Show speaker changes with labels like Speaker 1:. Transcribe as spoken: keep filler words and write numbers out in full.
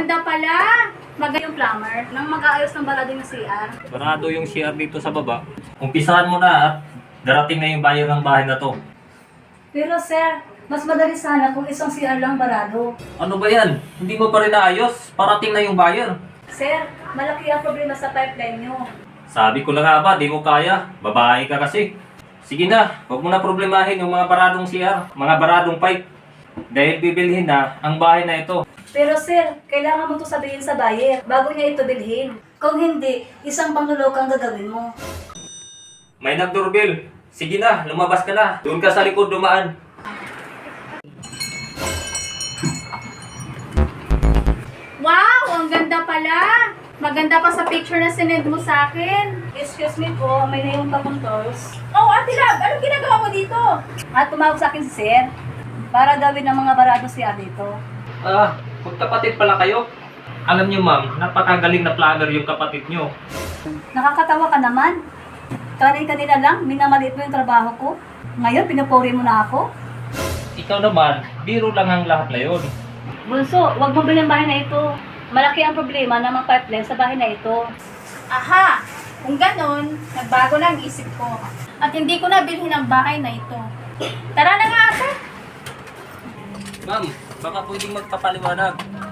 Speaker 1: ganda pala! Maganda yung plumber nang mag-aayos ng balado ng C R.
Speaker 2: Barado yung C R dito sa baba. Umpisahan mo na at darating na yung buyer ng bahay na to.
Speaker 3: Pero sir, mas madali sana kung isang C R lang barado.
Speaker 2: Ano ba yan? Hindi mo pa rin naayos? Parating na yung buyer.
Speaker 3: Sir, malaki ang problema sa pipeline nyo.
Speaker 2: Sabi ko na nga ba, di mo kaya. Babae ka kasi. Sige na, huwag mo na problemahin yung mga baradong C R, mga baradong pipe. Dahil bibilhin na ang bahay na ito.
Speaker 3: Pero sir, kailangan mo to sabihin sa buyer bago niya ito bilhin. Kung hindi, isang pangluloko ang gagawin mo.
Speaker 2: May nag-doorbell. Sige na, lumabas ka na. Doon ka sa likod dumaan.
Speaker 1: Wow! Ang ganda pala! Maganda pa sa picture na sinend mo sa akin.
Speaker 3: Excuse me po, may naiwan pa pong tours.
Speaker 1: Oh, Ate Lab! Anong ginagawa mo dito?
Speaker 3: At tumawag sa akin si sir para gawin ng mga barado C R dito.
Speaker 2: Ah, magkapatid pala kayo? Alam niyo ma'am, napakagaling na planner yung kapatid niyo.
Speaker 3: Nakakatawa ka naman. Kanina-kanina lang, minamaliit mo yung trabaho ko. Ngayon, pinupuri mo na ako.
Speaker 2: Ikaw naman, biro lang ang lahat na yun.
Speaker 3: Bunso, huwag mo bilhin bahay na ito. Malaki ang problema ng mga pipeline sa bahay na ito.
Speaker 1: Aha! Kung ganon, nagbago na ang isip ko. At hindi ko na bilhin ang bahay na ito. Tara na nga ate!
Speaker 2: Ma'am, baka pwedeng magpapaliwanag.